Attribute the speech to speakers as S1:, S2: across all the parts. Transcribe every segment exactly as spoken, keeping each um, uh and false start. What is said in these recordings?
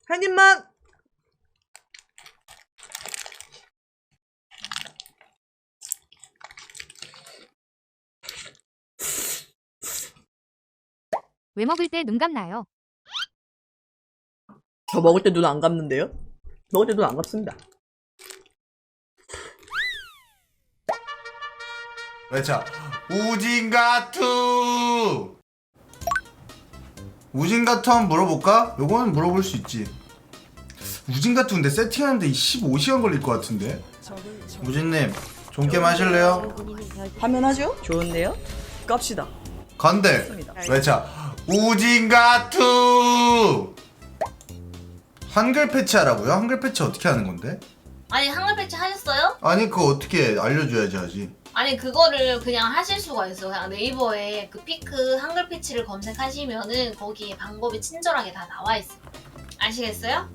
S1: 한 입만.
S2: 왜 먹을 때 눈 감나요?
S1: 저 먹을 때 눈 안 감는데요? 먹을 때 눈 안 감습니다.
S3: 외쳐 우진가투. 우진가투 한번 물어볼까? 요거는 물어볼 수 있지. 우진가투인데 세팅하는데 십오 시간 걸릴 것 같은데. 우진님 존게임 하실래요?
S1: 하면 하죠? 좋은데요? 깝시다.
S3: 건들 외쳐 우진가투. 한글 패치하라고요? 한글 패치 어떻게 하는 건데?
S4: 아니 한글 패치 하셨어요?
S3: 아니 그거 어떻게 알려줘야지 하지.
S4: 아니 그거를 그냥 하실 수가 있어요. 그냥 네이버에 그 피크 한글 패치를 검색하시면은 거기에 방법이 친절하게 다 나와 있어요. 아시겠어요?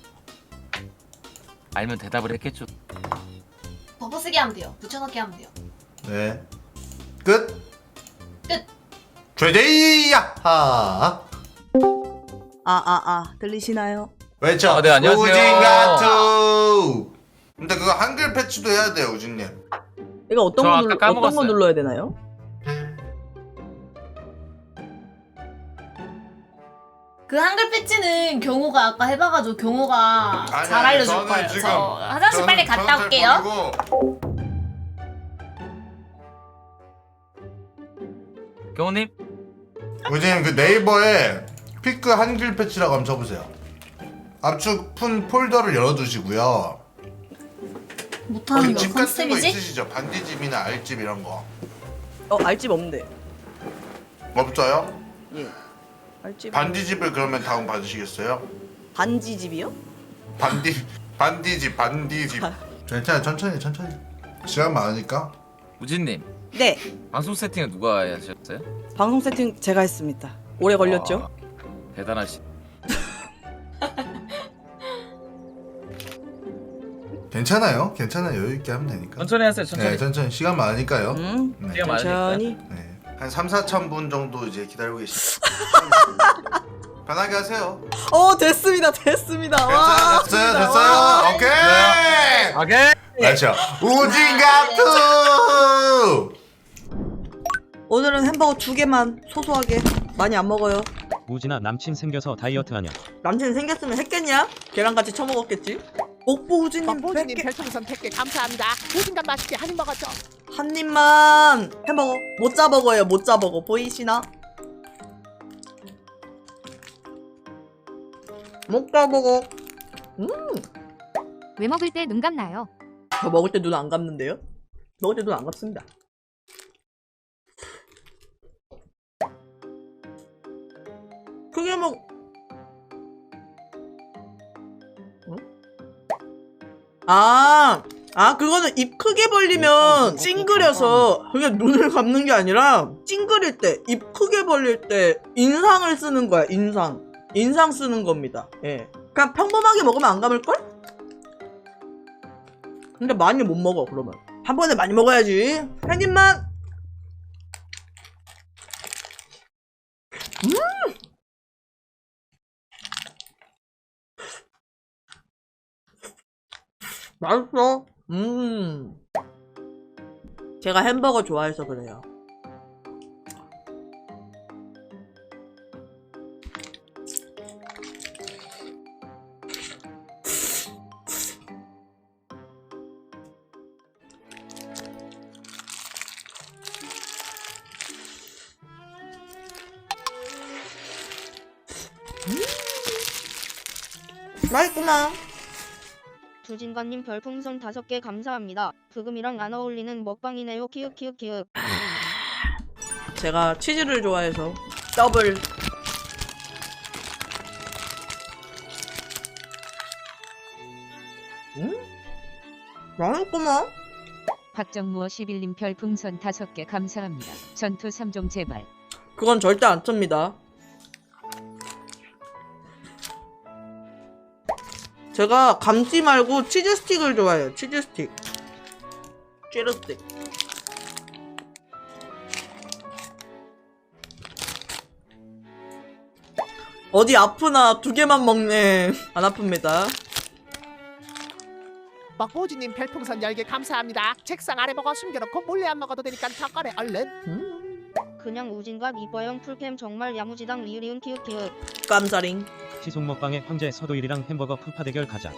S5: 알면 대답을 했겠죠.
S4: 덮어쓰기 하면 돼요. 붙여넣기 하면 돼요.
S3: 네. 끝.
S4: 끝.
S3: 죄제이야. 하.
S1: 아아 아 들리시나요?
S3: 외쳐
S5: 아, 네, 안녕하세요.
S3: 우진가투. 근데 그거 한글 패치도 해야 돼요 우진님.
S1: 이거 어떤
S5: 저
S1: 거
S5: 아까
S1: 눌러, 어떤 거
S5: 까먹었어요.
S1: 눌러야 되나요?
S4: 그 한글 패치는 경호가 아까 해봐가지고 경호가
S3: 아니,
S4: 잘
S3: 아니,
S4: 알려줄
S3: 저는
S4: 거예요.
S3: 지금-
S4: 저 화장실 빨리 갔다
S3: 저는
S4: 올게요.
S3: 버리고
S5: 경호님?
S3: 우진님 그 네이버에 피크 한글 패치라고 한번 쳐보세요. 압축 푼 폴더를 열어두시고요.
S4: 못하는
S3: 거기
S4: 거
S3: 집 같은 거
S4: 컨셉이지?
S3: 있으시죠? 반디집이나 알집 이런 거
S1: 어 알집 없는데.
S3: 없어요?
S1: 예. 알집.
S3: 반디집을 그러면 다운 받으시겠어요?
S1: 반지집이요?
S3: 반디 반디집 반디집. 괜찮아 천천히 천천히. 시간 많으니까.
S5: 우진님
S1: 네.
S5: 방송 세팅은 누가 하셨어요?
S1: 방송 세팅 제가 했습니다. 오래 걸렸죠?
S5: 와, 대단하시.
S3: 괜찮아요. 괜찮아요. 여유 있게 하면 되니까.
S5: 천천히 하세요. 천천히.
S3: 네, 천천히 시간 많으니까요.
S1: 음.
S3: 네.
S5: 시간 많으니까.
S1: 천천히.
S3: 네. 한 삼, 사천 분 정도 이제 기다리고 계십니다. 편하게 하세요.
S1: 어 됐습니다. 됐습니다. 와.
S3: 됐어요, 됐어요,
S1: 좋습니다.
S3: 됐어요.
S1: 와.
S3: 오케이.
S5: 오케이.
S3: 그렇죠. 우진가투.
S1: 오늘은 햄버거 두 개만 소소하게 많이 안 먹어요.
S6: 우진아 남친 생겨서 다이어트 하냐?
S1: 남친 생겼으면 했겠냐? 걔랑 같이 처먹었겠지? 옥보 우진님
S7: 박보진님
S1: 백 개.
S7: 별풍선 백 개 감사합니다. 보진감 맛있게 한 입 먹었죠.
S1: 한 입만. 햄버거 모짜버거예요. 모짜버거 보이시나? 모짜버거. 음.
S2: 왜 먹을 때 눈 감나요?
S1: 저 먹을 때 눈 안 감는데요? 먹을 때 눈 안 감습니다. 크게 먹. 응? 아, 아 그거는 입 크게 벌리면 찡그려서 그게 눈을 감는 게 아니라 찡그릴 때, 입 크게 벌릴 때 인상을 쓰는 거야. 인상, 인상 쓰는 겁니다. 예, 그냥 평범하게 먹으면 안 감을걸? 근데 많이 못 먹어. 그러면 한 번에 많이 먹어야지. 한 입만. 음. 맛있어. 음. 제가 햄버거 좋아해서 그래요. 음. 맛있구나.
S8: 주진관님 별풍선 다섯 개 감사합니다. 브금이랑 안 어울리는 먹방이네요. 키읔 키읔 키읔.
S1: 제가 치즈를 좋아해서 더블. 음? 맛있구만.
S9: 박정무어 십일 님 별풍선 다섯 개 감사합니다. 전투 삼 종 제발.
S1: 그건 절대 안 찹니다. 제가 감튀 말고 치즈 스틱을 좋아해요. 치즈 스틱. 치즈 스틱. 어디 아프나 두 개만 먹네. 안 아픕니다.
S7: 먹보지님 별풍선 열 개 감사합니다. 책상 아래 먹어 숨겨놓고 몰래 안 먹어도 되니까 더 꺼내 얼른.
S8: 그냥 우진과 이뻐영 풀캠 정말 야무지당 리으리운 키읔 키읔.
S1: 깜자링.
S6: 시속 먹방의 황제 서도일이랑 햄버거 푸파 대결 가자.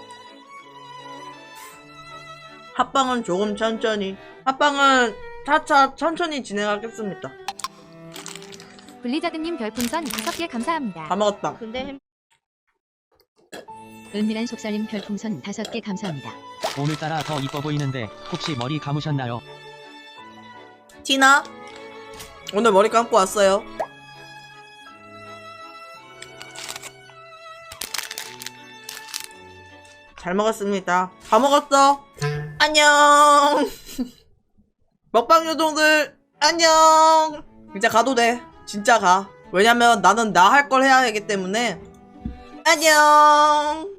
S1: 합방은 조금 천천히. 합방은 차차 천천히 진행하겠습니다.
S2: 블리자드님 별풍선 다섯 개 감사합니다.
S1: 다 먹었다.
S8: 근데 햄
S9: 은밀한 속살림 별풍선 다섯 개 감사합니다.
S6: 오늘따라 더 이뻐 보이는데 혹시 머리 감으셨나요?
S1: 티나 오늘 머리 감고 왔어요. 잘 먹었습니다. 다 먹었어. 안녕. 먹방 요정들 안녕. 이제 가도 돼. 진짜 가. 왜냐면 나는 나 할 걸 해야 하기 때문에. 안녕.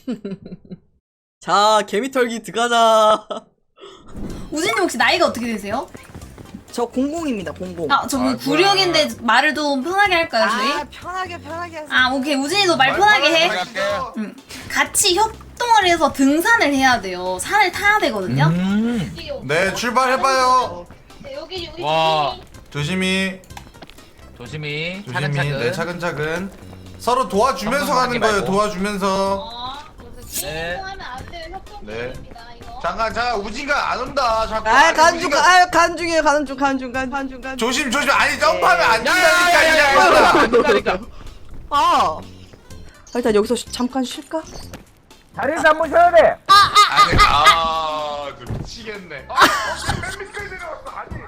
S1: 자, 개미털기 들어가자.
S4: 우진님 혹시 나이가 어떻게 되세요?
S1: 저 공공입니다. 공공.
S4: 아, 저 구룡인데 말을 좀 편하게 할까요, 저희?
S10: 아 편하게 편하게 하세요.
S4: 아, 오케이. 우진이도 말 편하게 해. 응. 같이 협동을 해서 등산을 해야 돼요. 산을 타야 되거든요.
S5: 음.
S3: 네, 출발해봐요.
S4: 네, 여기 여기
S5: 와.
S3: 조심히,
S5: 조심히.
S3: 조심히.
S5: 차근차근.
S3: 네, 차근차근. 서로 도와주면서
S5: 정성하지
S3: 가는 거예요.
S5: 말고.
S3: 도와주면서.
S4: 어,
S5: 네.
S4: 하면 안 돼요. 협동
S3: 네.
S4: 게임입니다, 이거.
S3: 잠깐, 자, 우진가 안 온다. 자꾸.
S1: 아,
S3: 아니,
S1: 가는 중,
S3: 우진가-
S1: 아, 가는 중이에요. 가는 중, 가는 중, 가는 중, 가는 중.
S3: 조심, 조심. 아니, 점프하면 안 된다니까.
S5: 야야야야야. 안 된다니까.
S1: 아, 일단 여기서 쉬- 잠깐 쉴까?
S5: 자리에서 한번 쉬어야 돼.
S3: 아니, 아, 저 미치겠네. 아, 맨 밑까지 내려왔어. 아니.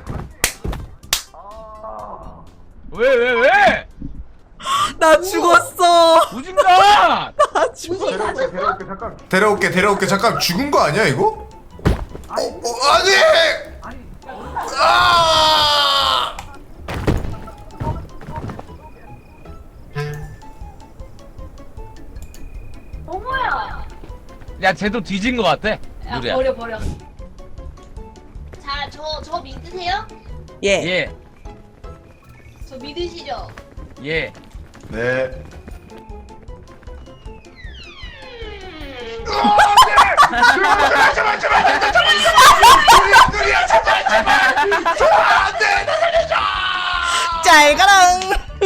S5: 왜 왜 왜?
S1: 나 죽었어.
S5: 우진가.
S1: 나 죽었어.
S3: 데려올게, 데려올게, 잠깐. 데려올게, 데려올게. 잠깐 죽은 거 아니야, 이거? 어, 어, 아니! 아!
S4: 어머야.
S5: 야 쟤도 뒤진 거 같아.
S4: 야,
S5: 누리야.
S4: 버려 버려. 자, 저 저 믿으세요?
S1: 예.
S5: 예.
S4: 저 믿으시죠?
S5: 예.
S3: 네.
S1: 잘 가랑.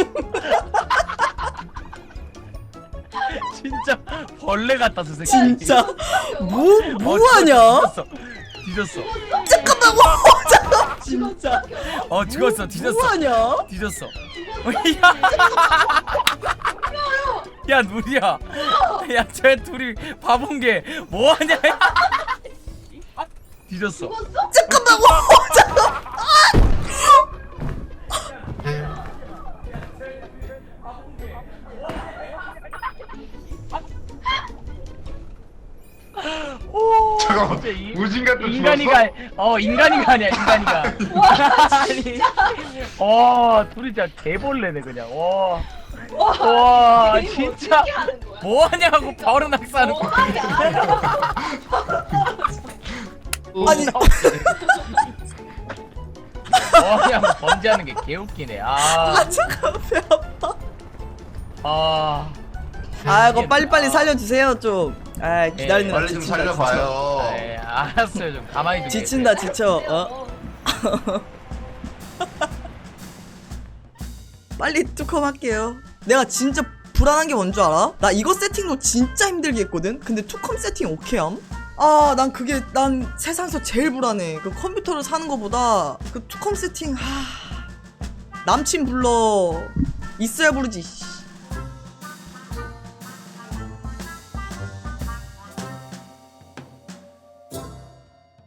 S5: 진짜 벌레 같다 저 새끼.
S1: 진짜 뭐
S5: 어,
S1: 뭐하냐?
S5: 뒤졌어. 뒤졌어.
S1: 잠깐만. 잠깐. 진짜
S5: 어 죽었어. 뒤졌어.
S1: 뭐하냐?
S5: 뒤졌어. 야, 야 누리야. 야 쟤 둘이 바본 게 뭐하냐? 야. 뒤졌어.
S1: 잠깐만. 잠깐.
S3: 잠깐만.
S5: 진짜 이-
S3: 우진 같은
S5: 인간이가 어 인간이가 아니야 인간이가. 아니. 어 둘이 진짜 개벌레네 그냥. 와. 와 진짜 뭐하냐고 바로 낙사하는 거.
S1: 아니.
S5: 뭐하냐고 번지하는 게 개웃기네. 아.
S1: 아, 잠깐 배 아파.
S5: 아.
S1: 아, 이거 빨리빨리 살려주세요 좀. 아, 기다리는 거
S3: 빨리 좀
S1: 지친다,
S3: 살려봐요.
S5: 네, 알았어요. 좀 가만히 좀.
S1: 지친다 지쳐. 어? 빨리 뚜컴 할게요. 내가 진짜 불안한 게 뭔 줄 알아? 나 이거 세팅도 진짜 힘들게 했거든? 근데 투컴 세팅 오케이함? 아, 난 그게 난 세상에서 제일 불안해. 그 컴퓨터를 사는 거보다 그 투컴 세팅 하... 남친 불러 있어야 부르지.